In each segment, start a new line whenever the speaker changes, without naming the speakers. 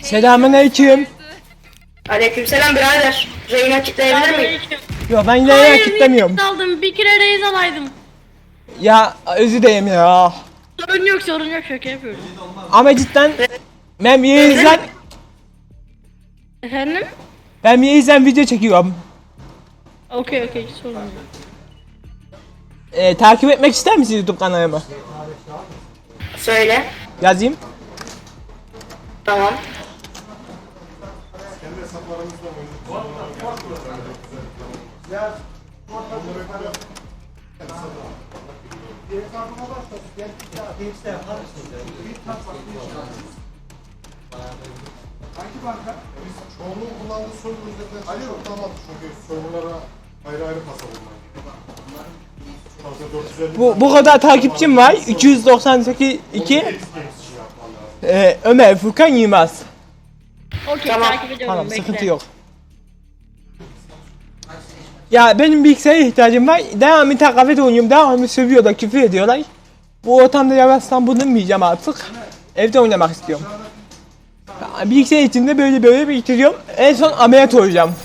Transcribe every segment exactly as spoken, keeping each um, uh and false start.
Selamünaleyküm.
Aleykümselam birader. Reyna kitleyebilir miyim?
Yo ben yine
Hayır,
kitlemiyorum.
niye aldım? Bir kere reis alaydım.
Ya özür dilerim ya.
Sorun yok, sorun yok. Şaka yapıyorum.
Ama cidden ben Yeğiz'den
Efendim?
ben Yeğiz'den video çekiyorum.
Okey okey, sorun yok.
Ee, takip etmek ister misiniz YouTube kanalımı?
Söyle.
Yazayım.
Tamam.
Hangi banka? Biz çoğunluğun kullandığı soygun üzerinden Ali yok tamam çünkü soygunlara ayrı ayrı kasa bulmak.
Bu bu kadar takipçim var. iki yüz doksan sekiz iki. Ee, Ömer Furkan Yılmaz.
Okey,
Tamam.
takip ediyorum.
Tamam,
bekle.
sıkıntı yok. Ya benim bilgisayara ihtiyacım var. Devamlı kafede oynuyorum. Devamlı sövüyorlar, küfür ediyorlar. Bu ortamda yavaştan bulunmayacağım artık. Evde oynamak istiyorum. Ya, bilgisayar içinde böyle böyle bitiriyorum. En son ameliyat olacağım.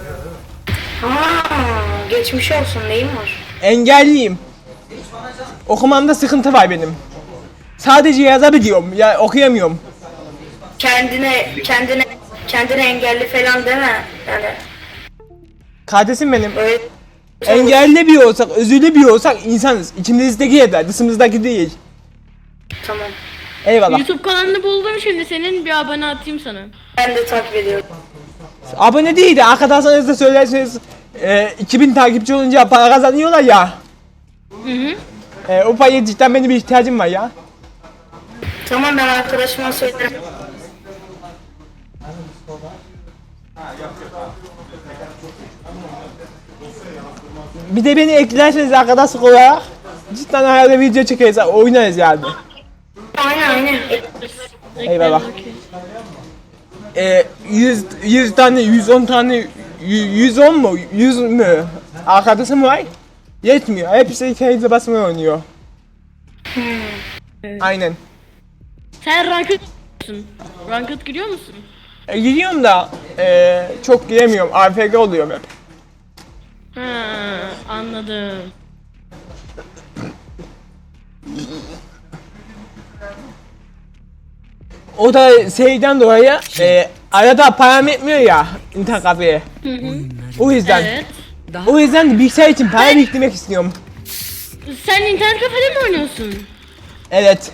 Aa, geçmiş olsun. Neyin var?
Engelliyim. Okumamda sıkıntı var benim. Sadece yazabiliyorum. Ya okuyamıyorum.
Kendine, kendine, kendine engelli falan deme. Yani
Kardeşim benim.
öyle.
Engelli bir olsak, özürlü bir olsak insanız. İçimizdeki yeter, dışımızdaki değil.
Tamam.
Eyvallah.
YouTube kanalını buldum şimdi senin, bir abone atayım sana.
Ben de takip ediyorum.
Abone değil de arkadaşlarınızda söylerseniz e, iki bin takipçi olunca para kazanıyorlar ya.
Hı hı.
E, o paraya cidden benim bir ihtiyacım var ya.
Tamam, ben arkadaşıma söylerim.
Bir de beni eklerseniz arkadaşlık olarak cidden herhalde video çekeriz, oynarız yani.
Aynen aynen.
Eyvallah.
Okey.
E, yüz, yüz tane, yüz on tane, yü- yüz on mu, yüz mü arkadaşım var. Yetmiyor. Hepsi kendi basmaya oynuyor. Aynen.
Sen ranked musun? Ranked giriyor musun?
E, giriyorum da e, çok giremiyorum. A F G oluyorum hep.
Ha, anladım.
O da şeyden dolayı e, arada param etmiyor ya internet kafeye. O yüzden.
Evet.
O yüzden de bilgisayar için para biriktirmek istiyorum.
Sen internet kafede mi oynuyorsun?
Evet.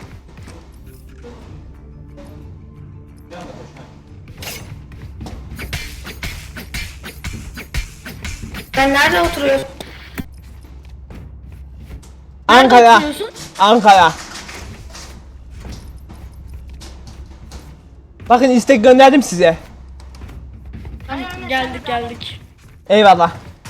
Sen nerede oturuyorsun?
Ankara.
oturuyorsun?
Ankara. Bakın istek gönderdim size.
Geldik geldik.
Eyvallah.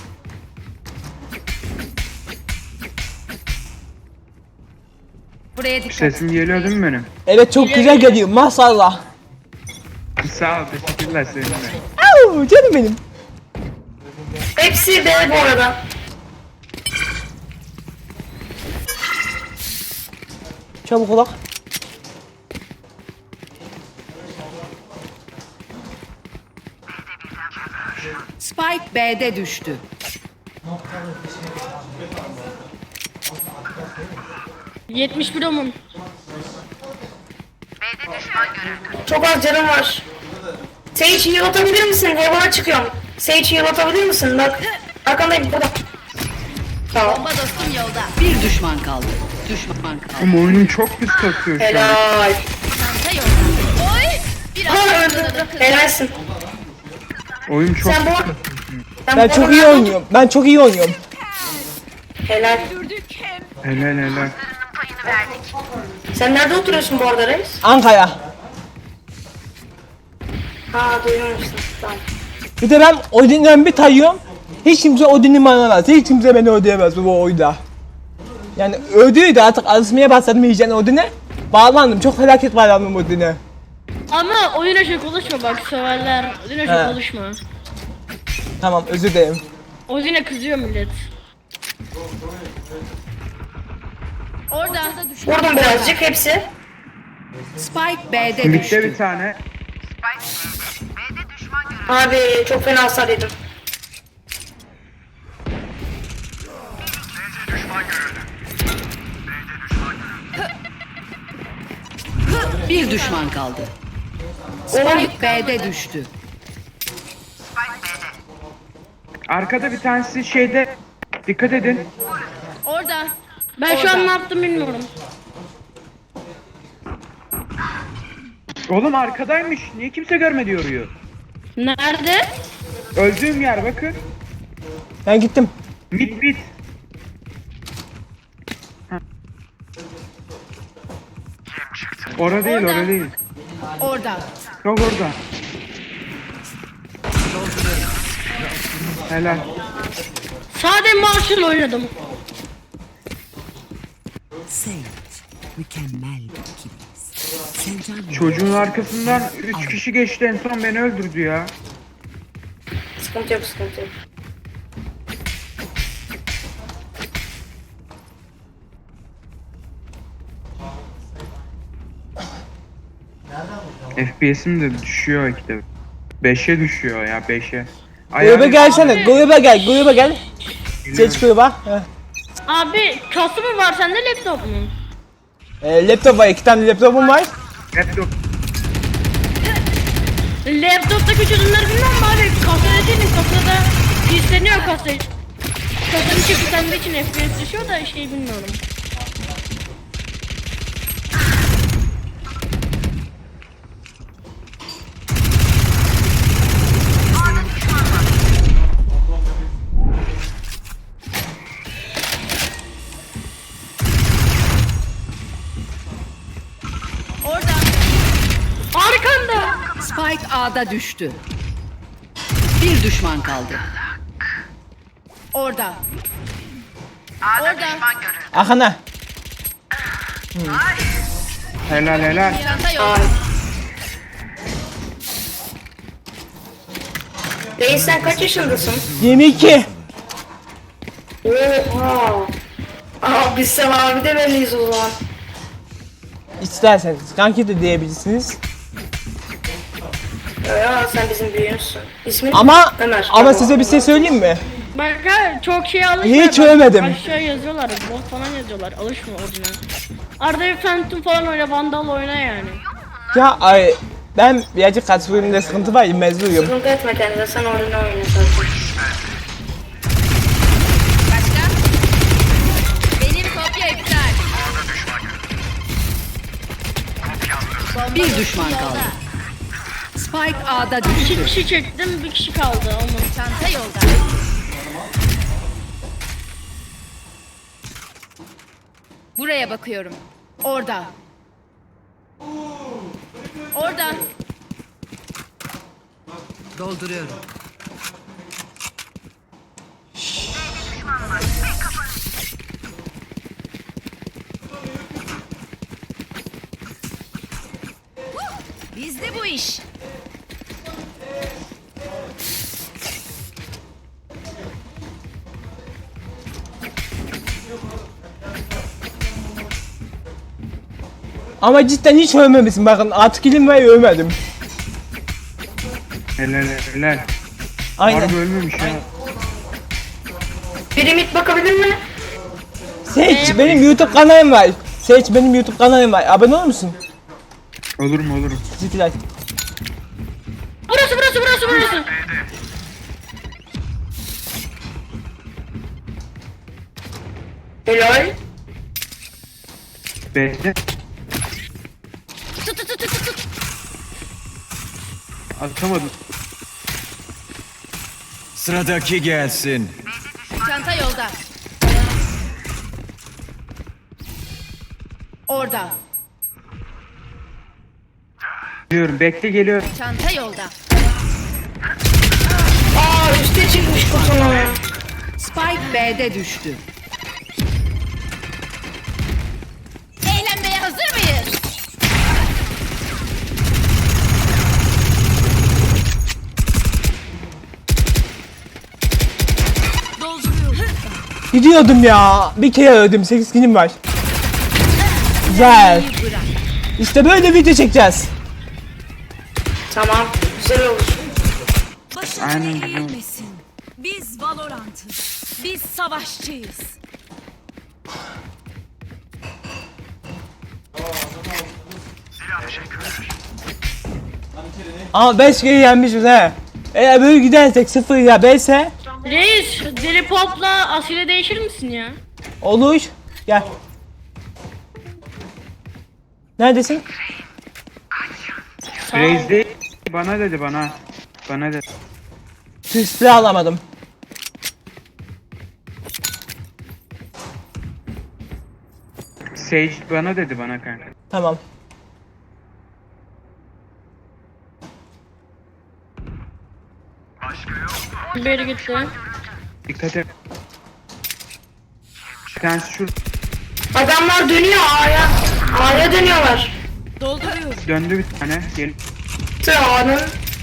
Buraya dikkat.
Sesim geliyor değil mi benim?
Evet çok güzel geliyor maşallah.
Sağ ol, teşekkürler seninle.
Au, canım benim.
Hepsi B bu arada.
Çabuk olak.
Spike B'de düştü.
yetmiş bir omun.
Çok az canım var. Sage heal atabilir misin? Heaven'a çıkıyorum. Sage heal atabilir misin? Bak. Arkandayım burada. Tamam.
Bomba dostum yolda. Bir düşman kaldı. Düşman kaldı.
Ama oyunum çok pis kasıyor şu an.
Helal.
Çanta yolda. Oy!
Ha öldü. Helalsin.
Oyun çok
Sen bu
pis.
Sen
Ben
bu
çok
arada-
iyi oynuyorum. Ben çok iyi oynuyorum.
Helal.
Helal helal.
Sen nerede oturuyorsun bu arada reis?
Ankara.
Ha duymamıştım. Tamam.
Bir de ben Odin'den bir tayıyorum. Hiç kimse Odin'i manamaz. Hiç kimse beni ödeyemez bu oyunda. Yani ödüydü artık alışmaya başladım iyice Odin'e. Bağlandım. Çok felaket bağlandım Odin'e.
Ama oyuna çok konuşma bak, severler. Oyuna
He.
çok konuşma.
Tamam özür dilerim.
Oyuna kızıyor millet.
Orada da düşman.
Vurdum birazcık hepsi.
Spike B'de
Mid'de
düştü.
bir tane.
Abi çok fena hasar yedim.
Bir düşman kaldı.
Oğlum
Spike B'de düştü.
Arkada bir tanesi şeyde. Dikkat edin.
Orada. Ben şu an ne yaptım bilmiyorum.
Oğlum arkadaymış. Niye kimse görmedi yoruyor?
Nerede?
Öldüğüm yer bakın.
Ben gittim.
Mid mid. Heh. Orada değil,
Orada.
orada değil.
Orada.
Yok orada. Helal.
Sade Marshall oynadım.
Sage, mükemmel bir ikiliyiz. Sevcan
Çocuğun arkasından üç kişi geçti, en son beni öldürdü ya.
sıkıntı yok sıkıntı yok.
F P S'im de düşüyor ikide. beşe düşüyor ya, beşe.
Gruba gelsene. Gruba gel. Gruba gel. Seç gruba. Heh.
Abi kası mı var sende laptop mu?
Ee, laptop var. iki tane laptopum var.
Laptop.
Laptoptaki çözümleri bilmem mi abi? Kasada değilim, kasada pisleniyor kasayı. Kasanın içi kilitlendiği için F P S düşüyor da şey bilmiyorum. Orada. Arkanda.
Spike A'da düştü. Bir düşman kaldı. Orada.
Orada.
Ahana.
Helal helal.
Çanta yok.
Reis sen kaç yaşındasın?
yirmi iki.
Oha. Aa biz sen abi de belliyiz o zaman.
İsterseniz kanki de diyebilirsiniz.
Ya sen bizim büyüğümüzsün. İsmin
Ama
Ömer.
ama size bir şey söyleyeyim mi?
Bak ha, çok şey alışma.
Hiç
bak.
övmedim.
Aşağı yazıyorlar, bot falan yazıyorlar. Alışma orijinal. Arada bir Phantom falan oyna, Vandal oyna yani.
Ya ay ben birazcık katılımda sıkıntı var. Mezunuyum.
Sıkıntı etme kendine sen oyunu oyna zaten.
Benim kopya iptal.
Bir düşman kaldı. Spike A'da düştü.
İki kişi çektim, bir kişi kaldı onun. Çanta yolda.
Buraya bakıyorum.
Orada.
Orada.
Dolduruyorum.
Bizde bu iş.
Ama cidden hiç övmemişsin. Bakın artık ilim ve övmedim.
Helal helal.
Aynen.
Harbi ölmemiş ya.
Biri mid bakabilir mi?
Seç benim YouTube kanalım var. Seç benim YouTube kanalım var. Abone olur musun?
Olurum olurum.
Teşekkürler.
Burası burası burası burası.
Helal.
B'de. Atamadım.
Sıradaki gelsin.
Çanta yolda.
Orada.
Diyorum bekle geliyor.
Çanta yolda.
Aa üste çıkmış kutunun.
Spike B'de düştü.
Eğlenmeye hazır mıyız?
Gidiyordum ya. Bir kere öldüm. sekiz kilim var. Güzel. İşte böyle video çekeceğiz.
Tamam güzel olur.
Aynen güzel.
Eğilmesin. Biz Valorant'ız. Biz savaşçıyız.
Ama beş kere yenmişiz he. Eğer böyle gidersek sıfır ya beşse
Reis, deli popla asile değişir misin ya?
olur. Gel. Neredesin?
Reis değil. Bana dedi bana. Bana dedi.
Tüsle alamadım.
Sage bana dedi bana kanka.
Tamam.
Beri gitti.
Dikkat et. Bir tanesi şu
Adamlar dönüyor A'ya. A'ya dönüyorlar.
döndü bir tane. Gel.
A'nın.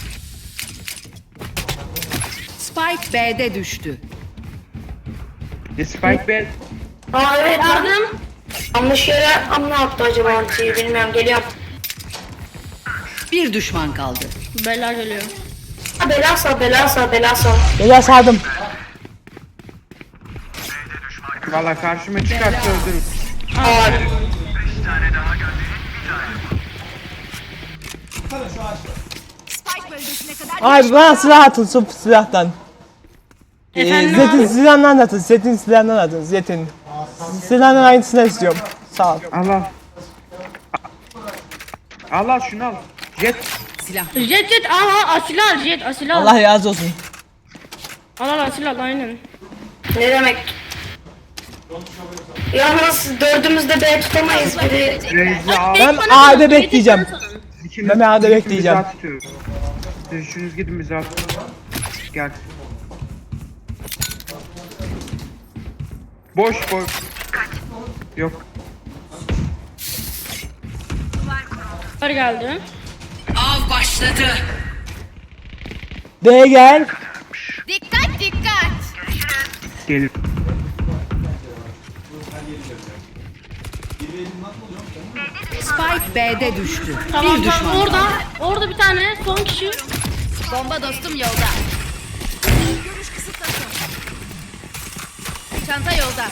Spike B'de düştü.
E, Spike Bell.
Aa evet lan.
Yardım.
Yanlış yere amma attı acaba antiyi bilmiyorum geliyorum.
Bir düşman kaldı.
Bela geliyor.
Ha bela sal bela sal bela sal.
Beyler sardım.
Valla karşıma çıkarsa öldürürüm.
Aa.
Spike bölgesine kadar
Abi bana silah atın su silahtan. Ee,
Efendim
Zet'in
abi?
silahından atın. Zet'in silahından atın. Zet'in. Silahından aynısını istiyorum. Sağ ol.
Al al. Al al şunu al. Jet.
Silah.
Jet jet aha asil al jet asil al.
Allah razı olsun.
Al al asil al aynen.
Ne demek? Yalnız dördümüz de B tutamayız biri.
Reis'i al.
Ben
Bana
A'da
salın,
bekleyeceğim.
Jet'i bana salın.
İkiniz-
Ben A'da
ikiniz
bekleyeceğim.
bizi atıyoruz. Siz üçünüz gidin bizi at. Gel. Boş boş. Yok.
Var geldi.
Av başladı.
B'ye gel.
Dikkat dikkat.
Gelir.
Spike B'de düştü.
Tamam
bir düşman
tamam orada
kaldı.
orada bir tane son kişi.
Bomba dostum yolda. Çanta yolda.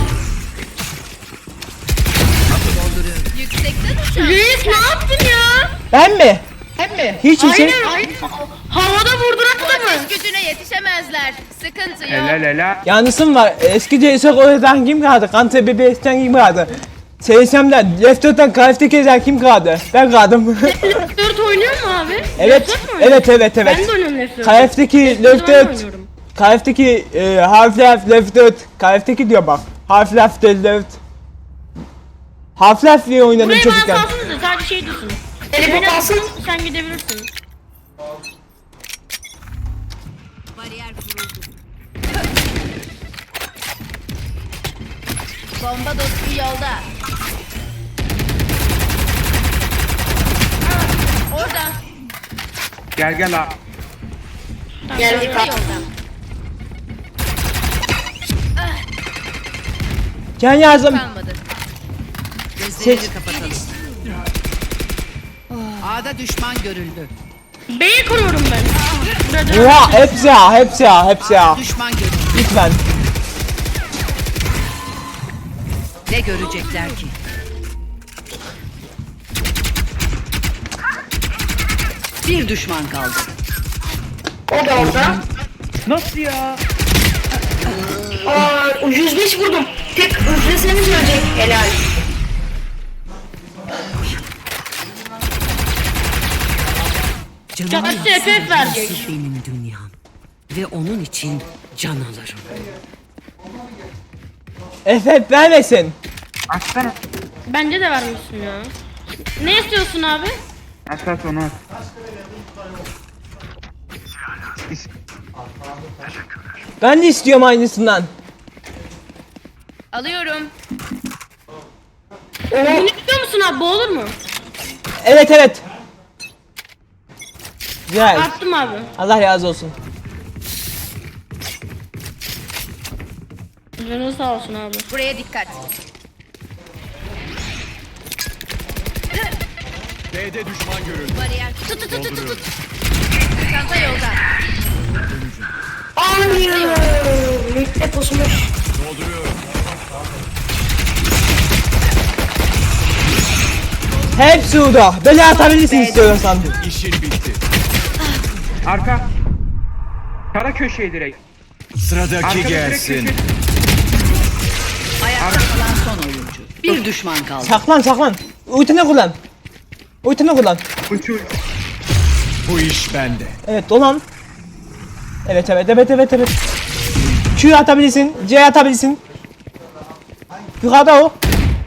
Yüksekten uçan.
Reis ne yaptın ya?
Ben mi? Ben mi? Hiç şey.
Aynen aynen. Havada vurdun attı mı?
Ateş gücüne yetişemezler. Sıkıntı yok.
Helal helal.
Yanlışım var. Eski C S G O'dan kim kaldı? Kante B B S'ten kim kaldı? S S M'den, Left dörtten Kalifikasyon kim kaldı? Ben kaldım.
dört oynuyor mu abi?
evet,
Left dört mü oynuyor?
evet, evet, evet.
Ben de oynuyorum Left dört.
K F'deki Left
Ben
dört,
oynuyorum.
K F'deki e, Half-Life Left dört, K F'deki diyor bak. Half-Life Left. Half-Life diye oynadım
Burayı bana
çocukken.
salsınız da sadece şey dursun.
Deli
Ben
bu kalsın.
sen gidebilirsin.
bariyer kuruldu.
Bomba dostum yolda. Orada.
Gel gel abi.
Geldik
Çanta
abi.
yolda.
Can yazdım.
Kalmadı.
Gözlerini kapatalım. A'da düşman görüldü.
B'yi kuruyorum ben. Burada
Ya hepsi ya, hepsi ya, hepsi ya.
Düşman görüldü.
Lütfen.
Ne görecekler ki? Bir düşman kaldı.
O da orada.
Nasıl ya?
Aa yüz beş vurdum. Tek üfleseniz ölecek. Helal.
Canımın
Kaç F F verecek.
burası benim dünyam. Ve onun için can alırım.
F F vermesin.
Atsana.
Bence de vermişsin ya. Ne istiyorsun abi?
At at onu at. İs-
Ben de istiyorum aynısından.
Alıyorum.
Bunu istiyor musun abi? Bu olur mu?
Evet, evet. Güzel.
Attım abi.
Allah razı olsun.
Canın sağ olsun abi.
Buraya dikkat.
B'de düşman görüldü.
Bariyer. Tut tut tut tut tut. Çanta yolda.
Hep pusmuş.
Hepsi orada. Beni atabilirsin istiyorsan.
İşin bitti.
Arka. Kara köşeye direkt.
Sıradaki
Arkada direkt
gelsin.
köşeye.
Ayakta kalan son oyuncu. Bir düşman kaldı.
Saklan saklan. Ultini kullan. Ultini kullan.
Uçur.
Bu iş bende.
Evet dolan. Evet evet evet evet evet. Q atabilirsin. C atabilirsin. Yukarıda o.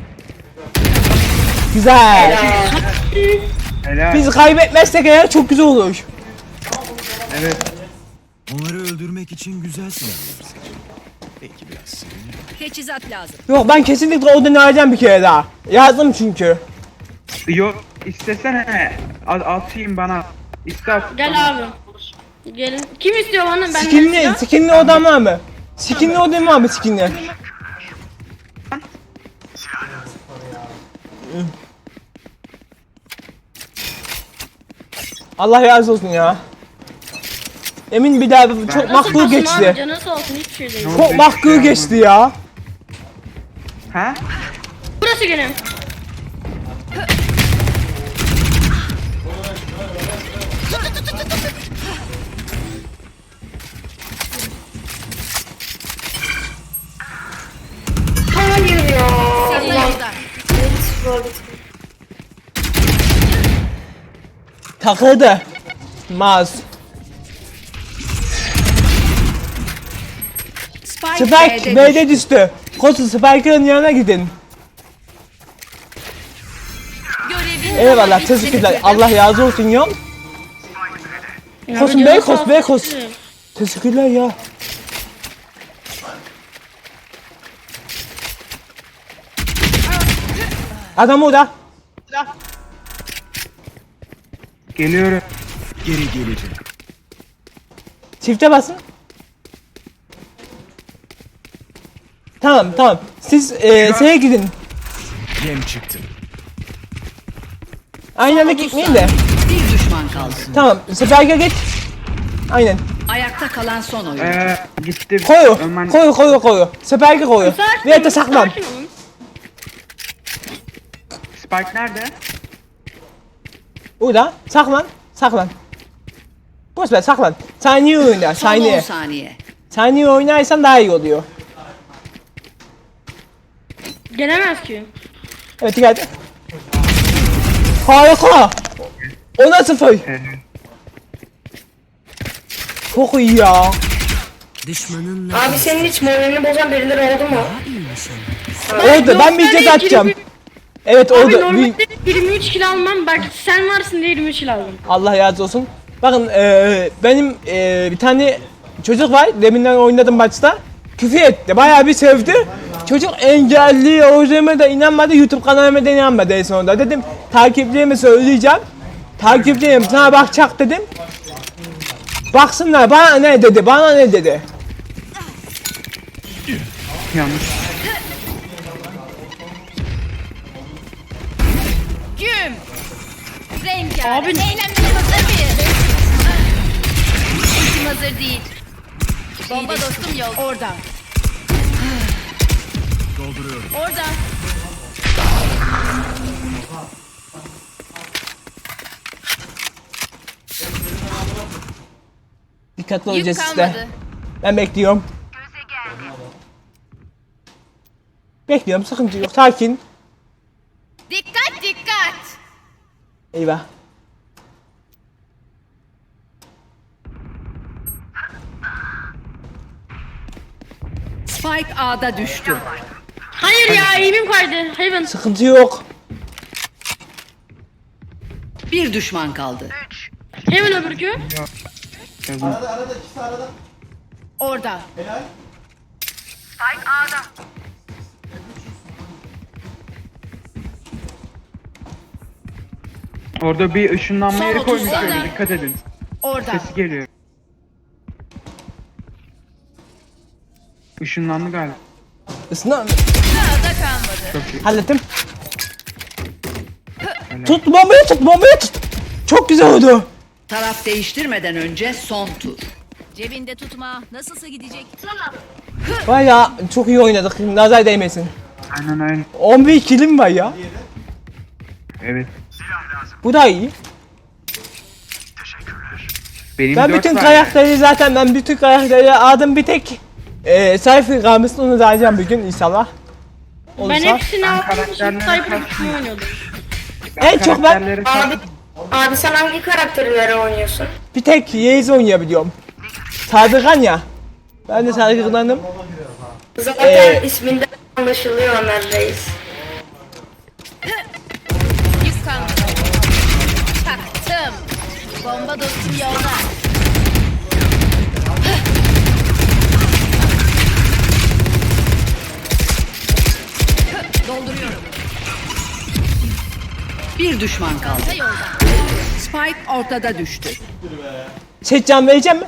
Güzel.
Helal.
Biz kaybetmezsek eğer çok güzel olur.
Evet.
Onları öldürmek için güzel silahlar seçin. Belki biraz sinirli.
Teçhizat lazım.
Yok ben kesinlikle o deneyeceğim bir kere daha. Yazdım çünkü.
Yok istesene. Al, atayım bana. İste at.
Gel abi. Gelin. Kim istiyor bana? Ben
Skinli, skinli odam var mı? Skinli odam var mı skinli? Allah razı olsun ya. Emin bir daha bu çok makbul geçti.
Canı sağ olsun hiçbir şey değil.
Çok makbul geçti ya.
Ha?
Burası gene.
Hayır ya.
Çanta yolda.
Takıldı. Maz.
Spike,
Spike
B'de
B'de düştü. Kosu Spike'ın yanına gidin.
Görevin
Eyvallah
daha bitmedi
teşekkürler.
dedim.
Allah razı olsun ya. Kosun
Canı
Bey
sağ
kos
olsun.
Bey kos. Teşekkürler ya. Adam orada.
Geliyorum.
Geri geleceğim.
Çifte basın. Tamam tamam. Siz e, şeye gidin.
Yem çıktı.
Aynı anda gitmeyin de.
bir düşman kaldı.
Tamam. Spike'e git. Aynen.
Ayakta kalan son oyuncu.
Ee, gitti.
Koyu.
Ömer-
Koyu koyu koyu. Spike'e koyu.
Sakin
Ve de
olun,
saklan.
sakin olun.
Spike nerede?
Burada. Saklan. Saklan. Boş ver saklan. Saniye oyna.
Son on
Saniye.
saniye.
Saniye oynarsan daha iyi oluyor.
Gelemez ki.
Evet geldi. Harika. Ona sıfır.
Evet.
Çok iyi ya.
Düşmanınla
Abi senin hiç moralini bozan birileri oldu mu?
Oldu. Ben bir
Normalde
ceza atacağım.
yirmi
Evet
Abi
oldu. Bir-
normalde yirmi üç kilo almam. Bak sen varsın diye yirmi üç kilo aldım.
Allah razı olsun. Bakın eee, benim eee, bir tane çocuk var. Deminden oynadım maçta. Küfür etti. Bayağı bir sövdü. Çocuk engelli. O yüzden de inanmadı. YouTube kanalıma da inanmadı en sonunda. Dedim takipçilerime söyleyeceğim. Takipçilerim sana bakacak dedim. Baksınlar bana ne dedi. Bana ne dedi.
Yanlış.
Güm. Rengarenk.
Abi-
Eğlenmeye hazır mıyız? Ultim hazır değil. Bomba dostum yol. Orada.
Dolduruyorum.
Orada.
Dikkatli
Yük
olacağız
kalmadı.
işte. Ben bekliyorum. Bekliyorum sıkıntı yok. Sakin.
Dikkat dikkat.
Eyvah.
Spike A'da düştü.
Hayır ya eğimim kaydı. Hayvan.
Sıkıntı yok.
Bir düşman kaldı.
Hemen öbürkü.
Orada.
Orada bir ışınlanma
Son
yeri
otuz
koymuşlar.
saniye.
Dikkat edin.
Orada.
Sesi geliyor. Işınlandı galiba.
Isına
Sağda kalmadı.
Çok iyi.
hallettim. Tut bombayı tut bombayı tut. Çok güzel oldu.
Taraf değiştirmeden önce son tur.
Cebinde tutma. Nasılsa gidecek.
Baya çok iyi oynadık. Nazar değmesin.
Aynen aynen.
on bir kilim var ya.
Evet.
Bu da iyi.
Benim
Ben
dört
bütün
var
karakteri zaten ben bütün karakteri aldım, bir tek e, sayfa kalmıştı, onu da alacağım bir gün inşallah.
Ben
Olursa.
hepsini aldım. Şimdi
karakterleri
Cyber
kastım.
oynuyordum.
yani.
en çok ben-
Karakterleri
Abi, abi sen hangi karakterleri oynuyorsun?
Bir tek Yeğiz oynayabiliyorum. Sadıkan ya. Ben de Sadıkan'ım.
Zaten
Ee,
isminden anlaşılıyor Ömer Reis.
Yük kalmadı. Taktım. Bomba dostum yolda. Dolduruyorum.
Bir düşman kaldı.
Ta yolda.
Spike ortada düştü.
Şey can vereceğim mi?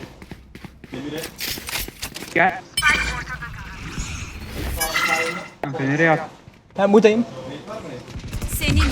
Gel. Kanka nereye at?
Ben buradayım.
Senin için.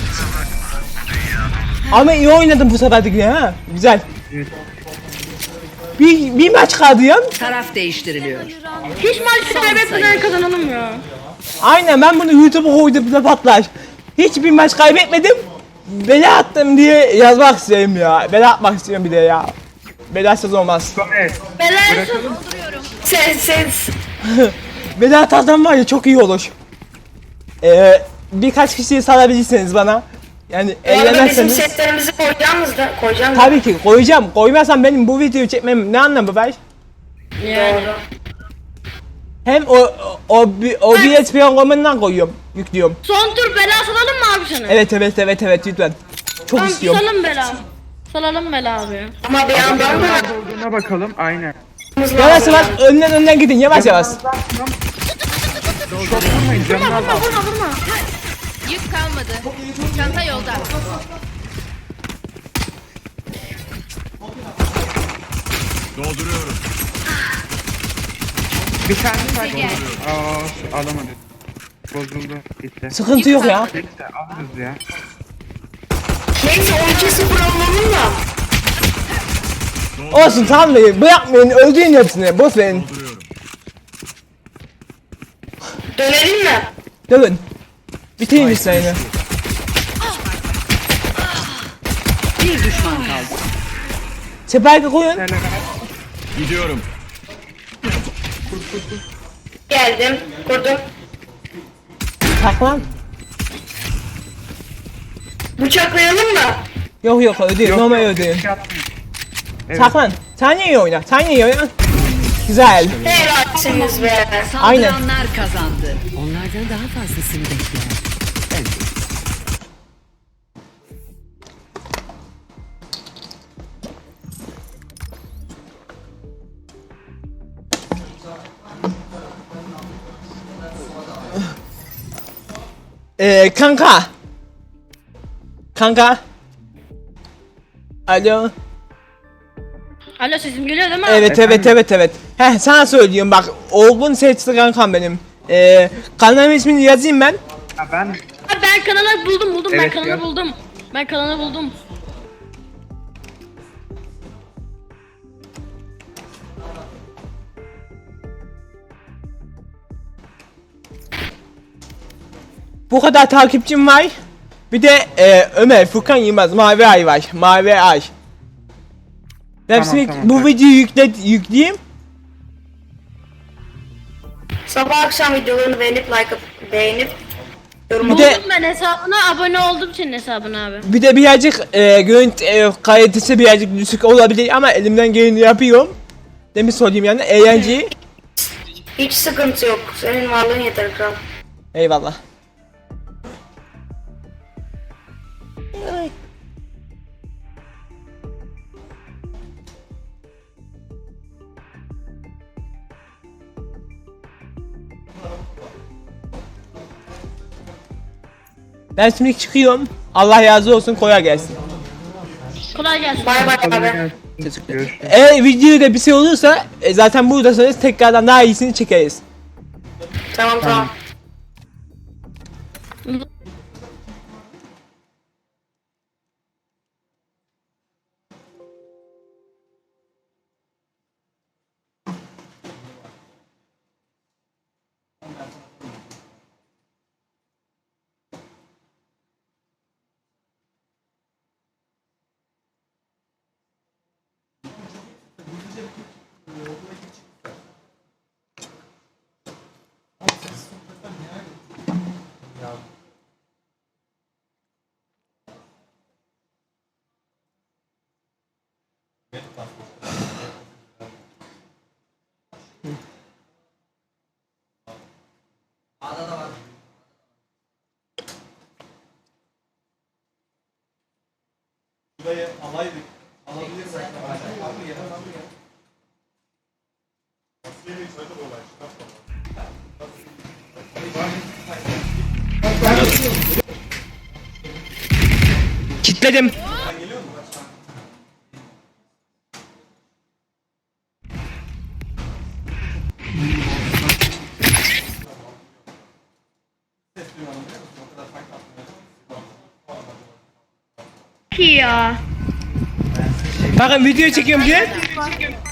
Ama iyi oynadım bu sefer de yine ha. Güzel.
Evet.
Bir, bir maç kaldı ya.
Taraf değiştiriliyor.
Hiç maç kaybetmeden kazanalım ya.
Aynen, ben bunu YouTube'a koydum da patlar. Hiçbir maç kaybetmedim. Bela attım diye yazmak istiyorum ya. Bela atmak istiyorum bir de ya. Belasız olmaz.
Evet.
Belen sen sen
Bela atarsan var ya çok iyi olur. Ee, birkaç kişiyi salabilirsiniz bana. Yani
bu arada bizim
eğlenemezseniz.
setlerimizi koyacağımız da koyacağım da.
Tabii ki koyacağım. Koymazsam benim bu videoyu çekmem ne anlamı var?
Yani.
Doğru.
Hem o o o, o B S programından koyuyorum, yüklüyorum.
Son tur bela salalım mı abi sana?
Evet evet evet evet lütfen. Çok
Tamam,
istiyorum.
salalım bela. Salalım bela abi.
Ama bir yandan da
Nerede olduğuna bakalım. Aynen.
Yavaş yavaş önden önden gidin yavaş yavaş.
Çok vurmayın canını al.
Vurma vurma vurma.
Yük kalmadı. Çanta yolda.
Dolduruyorum.
Bir tane sadece. Aa alamadık. Bozuldu. Gitti.
Sıkıntı yok ya.
Neyse alırız ya.
neyse on iki sıfır alalım da.
Olsun tamam da bırakmayın, öldürün hepsini, boş verin.
Dolduruyorum.
Dönelim mi?
Dövün. Bitirin işlerini.
Bir düşman kaldı.
Spike'ı koyun.
Gidiyorum.
Geldim. Kurdum.
Saklan.
Bıçaklayalım mı?
Yok yok öldürün, normal öldürün.
Şey atmayın. Evet.
Saklan. Sen iyi oyna, sen iyi oyna. Güzel.
Helalsiniz be.
Aynen.
Saldıranlar kazandı.
Onlardan daha fazlasını bekleyen. Ben de.
Ee, kanka. Kanka. Alo.
Alo sesim geliyor değil mi abi?
Evet evet evet evet. Heh sana söylüyorum bak. Olgun seçti kankam benim. Ee, kanalım ismini yazayım ben.
Ha, ben
Abi ben kanalı buldum buldum ben
Evet,
kanalı
ya.
buldum. Ben kanalı buldum.
Bu kadar takipçim var. Bir de e, Ömer, Furkan Yılmaz, Mavi Ay var. Mavi Ay. Ben
Tamam,
şimdi
tamam,
bu
tamam.
videoyu yükle, yükleyeyim.
Sabah akşam videolarını beğenip like atıp beğenip yorum
Bir de-
Buldum ben hesabına abone oldum senin hesabına abi.
Bir de birazcık e, görüntü e, kalitesi birazcık düşük olabilir ama elimden geleni yapıyorum. Demiş söyleyeyim yani eğlenceyi.
hiç sıkıntı yok. Senin varlığın yeter kral.
Eyvallah. Ben şimdi çıkıyorum. Allah razı olsun, kolay gelsin.
Kolay gelsin.
Bay bay abi.
görüşürüz.
Eğer videoda bir şey olursa e, zaten buradasınız, tekrardan daha iyisini çekeriz.
Tamam tamam.
Burayı alaydık. Alabilirsek. Aldı gel, aldı gel. Nasıl yeni içeride bu olay?
Kitledim.
Ki ya.
Bakın video çekiyorum diye.